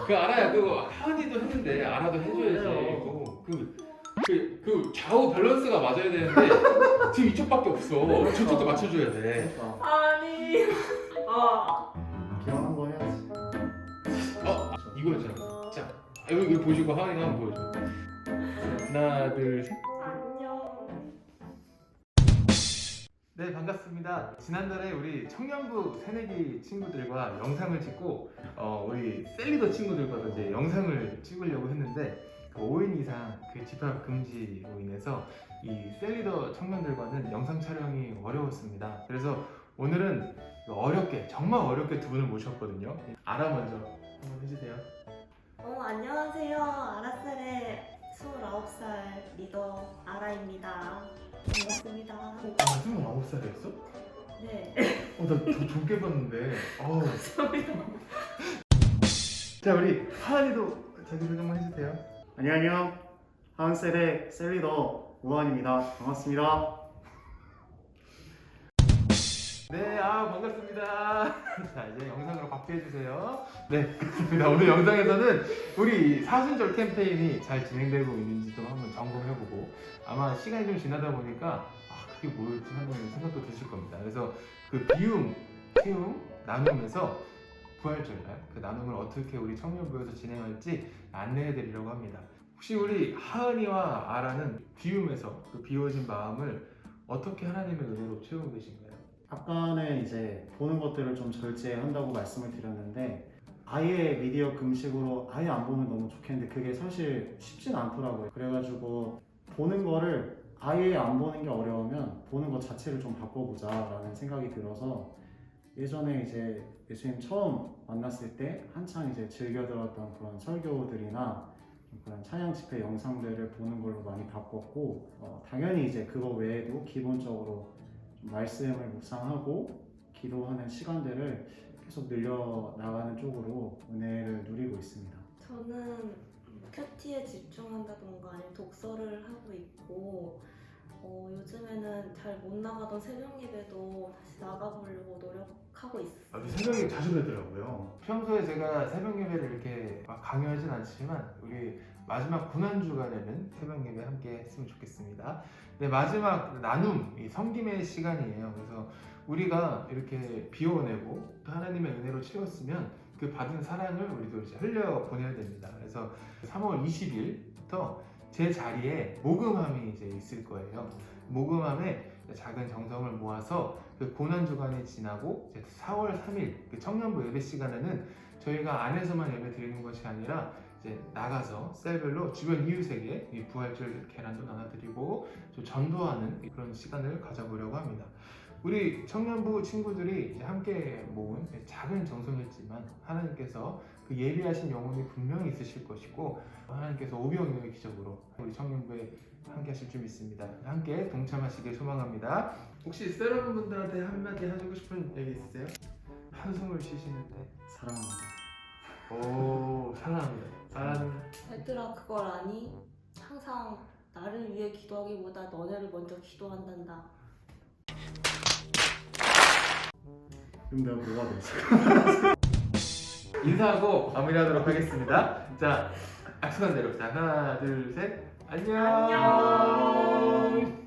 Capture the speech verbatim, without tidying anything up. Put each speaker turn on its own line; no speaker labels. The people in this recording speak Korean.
그 알아야 그거 하은이도 했는데 알아도 해줘야지. 그거 그, 그, 그 좌우 밸런스가 맞아야 되는데 지금 이쪽밖에 없어. 저쪽도 맞춰줘야 돼.
아니. 아.
기왕 한번 해야지.
어 이거였잖아. 자 이거, 이거 보시고 하은이가 한번 보여줘. 하나 둘 셋.
안녕.
네 반갑습니다. 지난달에 우리 청년부 새내기 친구들과 영상을 찍고 어, 우리 셀리더 친구들과도 이제 영상을 찍으려고 했는데 그 오 인 이상 그 집합 금지로 인해서 이 셀리더 청년들과는 영상 촬영이 어려웠습니다. 그래서 오늘은 어렵게 정말 어렵게 두 분을 모셨거든요. 아라 먼저 한번 해주세요.
어 안녕하세요. 아라셀의 스물아홉 살 리더 아라입니다. 반갑습니다.
아 스물아홉 살이었어?
네.
어나 더 적게 봤는데. 어우.
감사합니다.
자 우리 하은이도 자기소개 한번 해주세요.
안녕. 하은셀의 셀리더 우한입니다. 반갑습니다.
네, 아 반갑습니다. 자 이제 영상으로 바뀌어 주세요. 네, 그렇습니다. 오늘 영상에서는 우리 사순절 캠페인이 잘 진행되고 있는지 좀 한번 점검해보고 아마 시간이 좀 지나다 보니까 아 그게 뭐였지 하는 생각도 드실 겁니다. 그래서 그 비움, 채움, 나눔에서 부활절날 그 나눔을 어떻게 우리 청년부에서 진행할지 안내해드리려고 합니다. 혹시 우리 하은이와 아라는 비움에서 그 비워진 마음을 어떻게 하나님의 은혜로 채우고 계신가요?
아까는 이제 보는 것들을 좀 절제한다고 말씀을 드렸는데 아예 미디어 금식으로 아예 안 보면 너무 좋겠는데 그게 사실 쉽진 않더라고요. 그래가지고 보는 거를 아예 안 보는 게 어려우면 보는 것 자체를 좀 바꿔보자 라는 생각이 들어서 예전에 이제 예수님 처음 만났을 때 한창 이제 즐겨 들었던 그런 설교들이나 그런 찬양 집회 영상들을 보는 걸로 많이 바꿨고 어, 당연히 이제 그거 외에도 기본적으로 좀 말씀을 묵상하고 기도하는 시간들을 계속 늘려나가는 쪽으로 은혜를 누리고 있습니다.
저는 큐티에 집중한다던가 아니면 독서를 하고 있고 어, 요즘에는 잘 못 나가던 새벽 예배도 다시 나가보려고 노력하고 있어요.
아, 새벽에 자주 뵈더라고요. 평소에 제가 새벽 예배를 이렇게 막 강요하진 않지만 우리 마지막 고난 주간에는 새벽 예배 함께 했으면 좋겠습니다. 네, 마지막 나눔, 이 섬김의 시간이에요. 그래서 우리가 이렇게 비워내고 하나님의 은혜로 채웠으면 그 받은 사랑을 우리도 이제 흘려 보내야 됩니다. 그래서 삼월 이십일부터 제 자리에 모금함이 이제 있을 거예요. 모금함에 작은 정성을 모아서 그 고난 주간이 지나고 이제 사월 삼일 그 청년부 예배 시간에는 저희가 안에서만 예배 드리는 것이 아니라 이제 나가서 셀별로 주변 이웃에게 이 부활절 계란도 나눠드리고 좀 전도하는 그런 시간을 가져보려고 합니다. 우리 청년부 친구들이 이제 함께 모은 작은 정성이었지만 하나님께서 그 예비하신 영혼이 분명히 있으실 것이고 하나님께서 오병이어의 기적으로 우리 청년부에 함께 하실 줄 믿습니다. 함께 동참하시길 소망합니다. 혹시 세러분들한테 한마디 해주고 싶은 얘기 있으세요? 한숨을 쉬시는데
사랑합니다.
오 사랑합니다. 사랑합니다.
얘들아 그걸 아니? 항상 나를 위해 기도하기보다 너네를 먼저 기도한단다.
그럼 내가 뭐가 되지?
인사하고 마무리하도록 하겠습니다. 자, 약속한 대로 자 하나 둘 셋 안녕.
안녕.